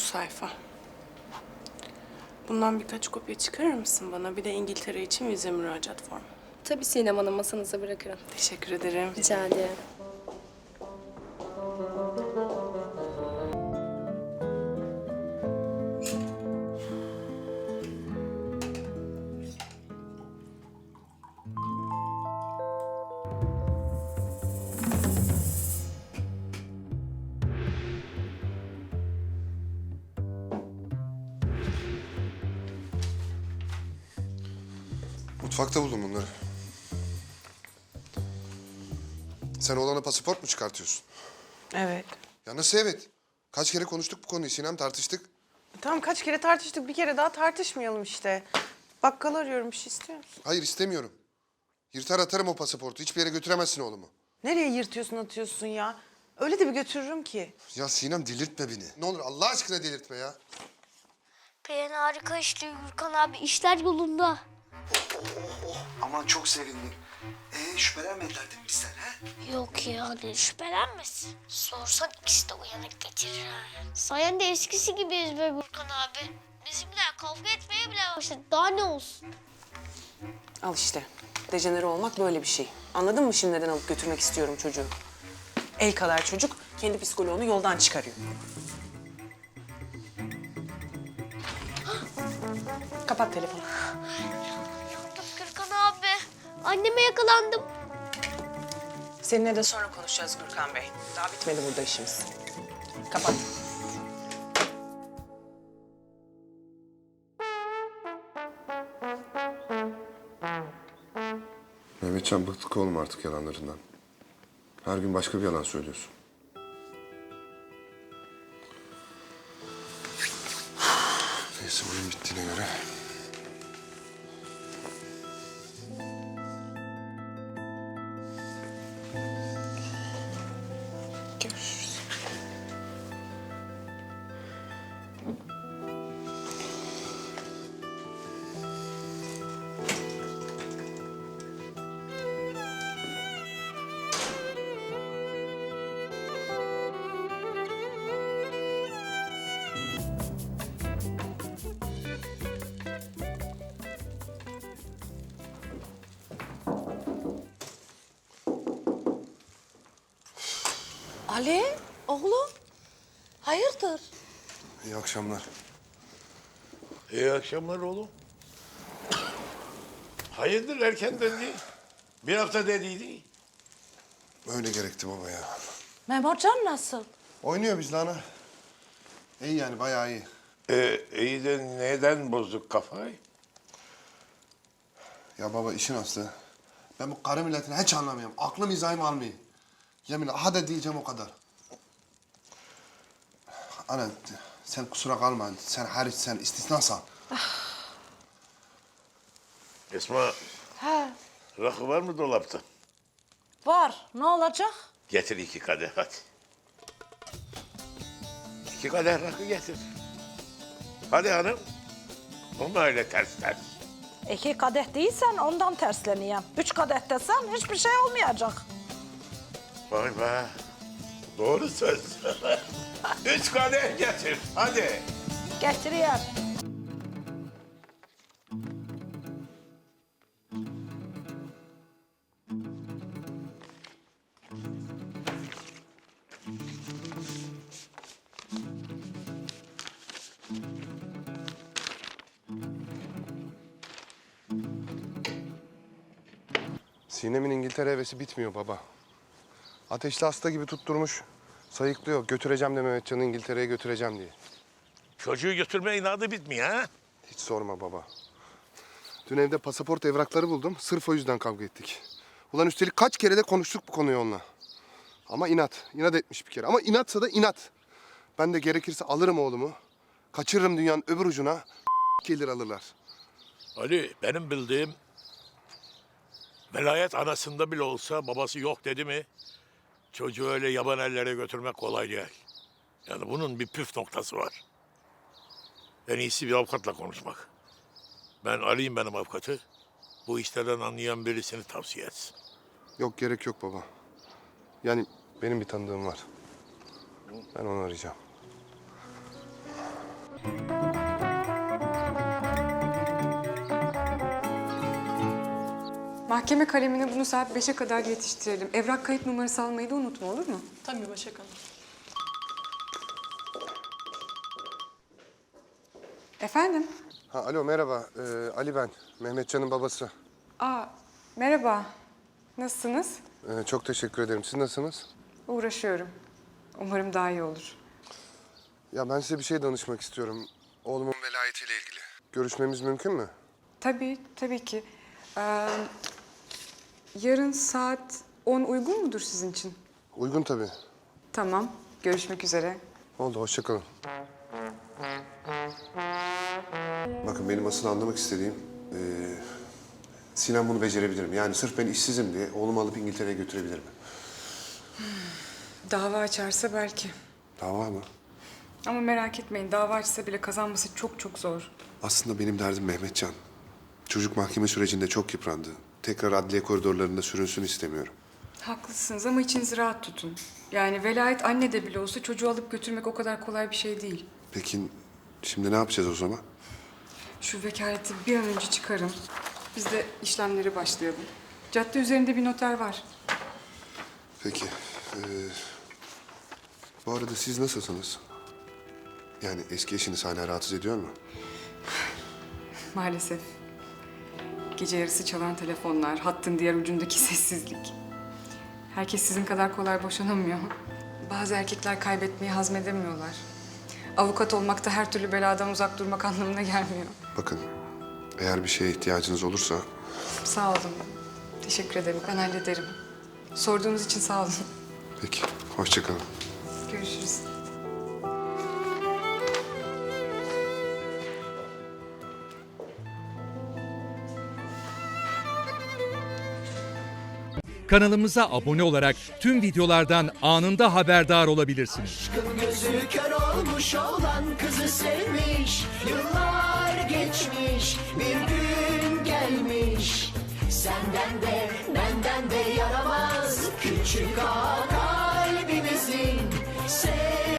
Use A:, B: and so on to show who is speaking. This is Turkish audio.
A: sayfa. Bundan birkaç kopya çıkarır mısın bana? Bir de İngiltere için vize müracaat formu.
B: Tabii Sinem Hanım, masanıza bırakırım.
A: Teşekkür ederim.
B: Rica ederim.
C: Mutfakta buldum bunları. Sen oğlana pasaport mu çıkartıyorsun?
A: Evet.
C: Ya nasıl evet? Kaç kere konuştuk bu konuyu Sinem, tartıştık.
A: Tamam, kaç kere tartıştık, bir kere daha tartışmayalım işte. Bakkal arıyorum, bir şey istiyor musun?
C: Hayır istemiyorum. Yırtar atarım o pasaportu. Hiçbir yere götüremezsin oğlumu.
A: Nereye yırtıyorsun atıyorsun ya? Öyle de bir götürürüm ki.
C: Ya Sinem delirtme beni. Ne olur Allah aşkına delirtme ya.
D: Perihan harika işliyor Gürkan abi. İşler yolunda.
E: Aman çok sevindim. Şüphelenmediler değil mi bizden ha?
D: Yok ya, ne şüphelenmesin. Sorsan ikisi de uyanık getirir ha. Sayende eskisi gibiyiz be Gürkan abi. Bizimkiler kavga etmeye bile başladı. Daha ne olsun?
A: Al işte. Dejenere olmak böyle bir şey. Anladın mı şimdi neden alıp götürmek istiyorum çocuğu? El kadar çocuk kendi psikoloğunu yoldan çıkarıyor. Kapat telefonu.
D: Yandım Gürkan abi. Anneme yakalandım.
A: Seninle de sonra konuşacağız Gürkan Bey. Daha bitmedi burada işimiz. Kapat.
C: Mehmetcan bıktık oğlum artık yalanlarından. Her gün başka bir yalan söylüyorsun. Neyse oyun bittiğine göre.
A: Görüşürüz.
F: Ali, oğlum. Hayırdır?
C: İyi akşamlar.
G: İyi akşamlar oğlum. Hayırdır erken döndü? Bir hafta dediydi.
C: Öyle gerekti baba ya.
F: Memurcan nasıl?
C: Oynuyor bizle ana. İyi yani bayağı iyi.
G: İyi de neden bozduk kafayı?
C: Ya baba işin aslı. Ben bu karı milletini hiç anlamıyorum. Aklım izahım almıyor. Yeminle hadi diyeceğim o kadar. Ana sen kusura kalma. Sen hariç sen istisnasan.
G: Esma,
F: He,
G: rakı var mı dolapta?
F: var. Ne olacak?
G: Getir 2 kadeh hadi. 2 kadeh rakı getir. Hadi hanım. Olma öyle ters ters.
F: 2 kadeh değilsen ondan tersleneyim. 3 kadeh desen hiçbir şey olmayacak.
G: Vay be. Doğru söz. 3 kadeh getir. Hadi.
F: Getireyim.
C: Sinem'in İngiltere hevesi bitmiyor baba. Ateşli hasta gibi tutturmuş. Sayıklıyor. Götüreceğim de Mehmetcan'ı İngiltere'ye götüreceğim diye.
G: Çocuğu götürme inadı bitmiyor ha?
C: Hiç sorma baba. Dün evde pasaport evrakları buldum. Sırf o yüzden kavga ettik. Ulan üstelik kaç kere de konuştuk bu konuyu onunla. Ama inat. İnat etmiş bir kere. Ama inatsa da inat. Ben de gerekirse alırım oğlumu. Kaçırırım dünyanın öbür ucuna. Gelir alırlar.
G: Ali, benim bildiğim velayet anasında bile olsa babası yok dedi mi çocuğu öyle yaban ellere götürmek kolay değil. Yani bunun bir püf noktası var. En iyisi bir avukatla konuşmak. Ben arayayım benim avukatı. Bu işlerden anlayan birisini tavsiye etsin.
C: Yok gerek yok baba. Yani benim bir tanıdığım var. Ben onu arayacağım.
H: Mahkeme kalemine bunu saat 5'e kadar yetiştirelim. Evrak kayıt numarası almayı da unutma, olur mu?
B: Tabii Başak Hanım.
H: Efendim?
C: Ha, alo merhaba. Ali ben. Mehmetcan'ın babası.
H: Aa, merhaba. Nasılsınız?
C: Çok teşekkür ederim. Siz nasılsınız?
H: Uğraşıyorum. Umarım daha iyi olur.
C: Ya ben size bir şey danışmak istiyorum. Oğlumun velayetiyle ilgili. Görüşmemiz mümkün mü?
H: Tabii, tabii ki. Yarın saat 10 uygun mudur sizin için?
C: Uygun tabii.
H: Tamam, görüşmek üzere.
C: Oldu, hoşça kalın. Bakın benim asıl anlamak istediğim... Sinan bunu becerebilir mi? Yani sırf ben işsizim diye oğlumu alıp İngiltere'ye götürebilir mi?
H: Dava açarsa belki.
C: Dava mı?
H: Ama merak etmeyin, dava açsa bile kazanması çok çok zor.
C: Aslında benim derdim Mehmetcan. Çocuk mahkeme sürecinde çok yıprandı. Tekrar adliye koridorlarında sürünsün istemiyorum.
H: Haklısınız ama içinizi rahat tutun. Yani velayet anne de bile olsa çocuğu alıp götürmek o kadar kolay bir şey değil.
C: Peki şimdi ne yapacağız o zaman?
H: Şu vekaleti bir an önce çıkarın. Biz de işlemlere başlayalım. Cadde üzerinde bir noter var.
C: Peki. Bu arada siz nasılsınız? Yani eski eşiniz hala rahatsız ediyor mu?
H: Maalesef. Gece yarısı çalan telefonlar, hattın diğer ucundaki sessizlik. Herkes sizin kadar kolay boşanamıyor. Bazı erkekler kaybetmeyi hazmedemiyorlar. Avukat olmak da her türlü beladan uzak durmak anlamına gelmiyor.
C: Bakın, eğer bir şeye ihtiyacınız olursa...
H: Sağ olun. Teşekkür ederim. Ben hallederim. Sorduğunuz için sağ olun.
C: Peki, hoşça kalın.
H: Görüşürüz.
I: Kanalımıza abone olarak tüm videolardan anında haberdar olabilirsiniz.
J: Gözü kör olmuş olan kızı sevmiş. Yıllar geçmiş, bir gün gelmiş. Senden de benden de yaramaz küçük ağa.